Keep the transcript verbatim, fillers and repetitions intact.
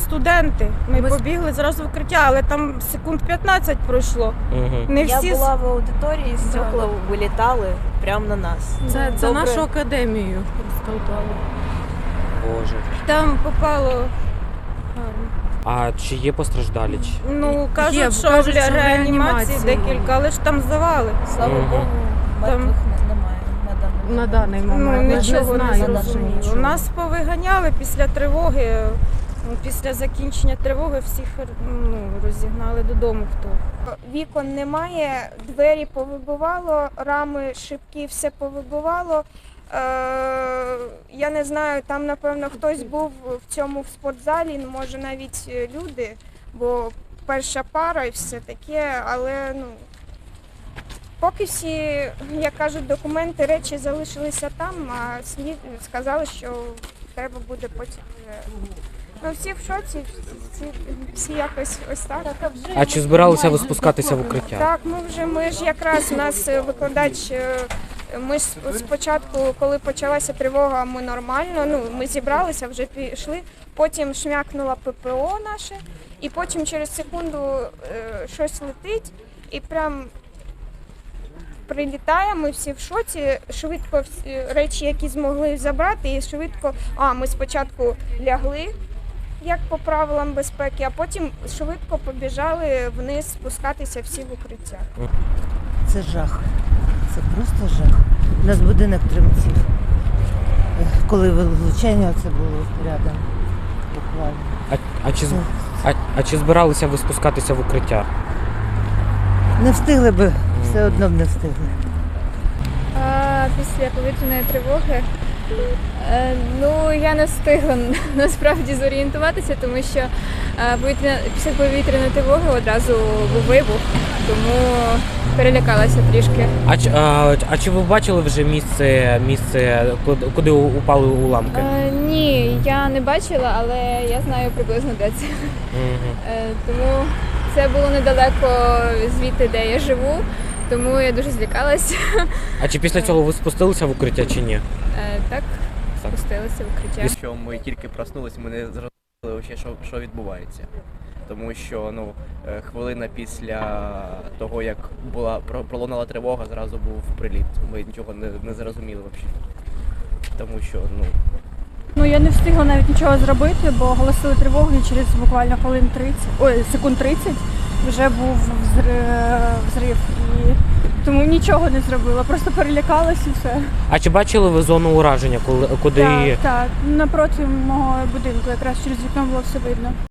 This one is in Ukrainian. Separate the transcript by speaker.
Speaker 1: студенти. Ми,
Speaker 2: Ми з-
Speaker 1: побігли зразу в укриття, але там секунд п'ятнадцять пройшло.
Speaker 3: Угу.
Speaker 1: Не всі
Speaker 2: Я
Speaker 1: з-
Speaker 2: була в аудиторії, стекла вилітали прямо на нас.
Speaker 4: Це, це
Speaker 2: Добре.
Speaker 4: нашу академію розтолкали.
Speaker 3: Боже.
Speaker 1: там попало.
Speaker 3: А чи є постраждалі? Чи-
Speaker 1: Ну, кажуть,
Speaker 4: Є,
Speaker 1: що
Speaker 4: кажуть,
Speaker 1: для
Speaker 4: що в
Speaker 1: реанімації
Speaker 4: реанімації.
Speaker 1: декілька, але ж там завали.
Speaker 2: Слава
Speaker 3: Мгм.
Speaker 2: Богу, мертвих не- немає на даний
Speaker 4: На
Speaker 2: момент.
Speaker 4: даний
Speaker 1: Ну,
Speaker 4: момент. Ми
Speaker 1: нічого не
Speaker 4: знаємо.
Speaker 1: зрозуміло.
Speaker 2: нічого.
Speaker 1: Нас повиганяли після тривоги. Ну, Після закінчення тривоги всіх ну, розігнали додому хто.
Speaker 5: Вікон немає, двері повибивало, рами, шибки, все повибивало. Е, я не знаю, там, напевно, хтось був в цьому в спортзалі, ну, може навіть люди, бо перша пара і все таке, але ну, поки всі, як кажуть, документи, речі залишилися там, а слід сказали, що треба буде потім. вже. Ну, всі в шоці, всі, всі якось ось так.
Speaker 3: А чи збиралися ви спускатися в укриття?
Speaker 5: Так, ми вже ми ж якраз у нас е, викладач. е, Ми ж спочатку, коли почалася тривога, ми нормально. Ну ми зібралися, вже пішли. Потім шмякнула ППО наше, і потім через секунду е, щось летить, і прям прилітає. Ми всі в шоці. Швидко всі речі, які змогли забрати, і швидко. А ми спочатку лягли, як по правилам безпеки, а потім швидко побіжали вниз спускатися всі в укриття.
Speaker 6: Це жах. Це просто жах. У нас будинок тремтів. Коли влучання це було рядом. Буквально.
Speaker 3: А, а, чи, з- а, а чи збиралися ви спускатися в укриття?
Speaker 6: Не встигли би, все одно б не встигли.
Speaker 7: А, після повітряної тривоги. Е, ну, я не встигла насправді зорієнтуватися, тому що е, повітря... після повітряної тривоги одразу був вибух, тому перелякалася трішки.
Speaker 3: А, чи- а, а чи ви бачили вже місце, місце куди, куди упали уламки?
Speaker 7: Е, ні, я не бачила, але я знаю приблизно де це.
Speaker 3: Мгм.
Speaker 7: Е, тому це було недалеко звідти, де я живу, тому я дуже злякалася.
Speaker 3: А чи після цього ви спустилися в укриття чи ні?
Speaker 7: Е, так, спустилася в укриття.
Speaker 8: Що ми тільки проснулись, ми не зрозуміли, ще, що, що відбувається. Тому що ну, е, хвилина після того, як була про- пролунала тривога, зразу був приліт. Ми нічого не, не зрозуміли взагалі. Тому що ну,
Speaker 9: Ну я не встигла навіть нічого зробити, бо оголосили тривогу і через буквально хвилин тридцять, ой, секунд тридцять вже був взри- взрив. І тому нічого не зробила, просто перелякалась і все.
Speaker 3: А чи бачили ви зону ураження, коли, куди
Speaker 9: Так, так, напроти мого будинку, якраз через вікно було все видно.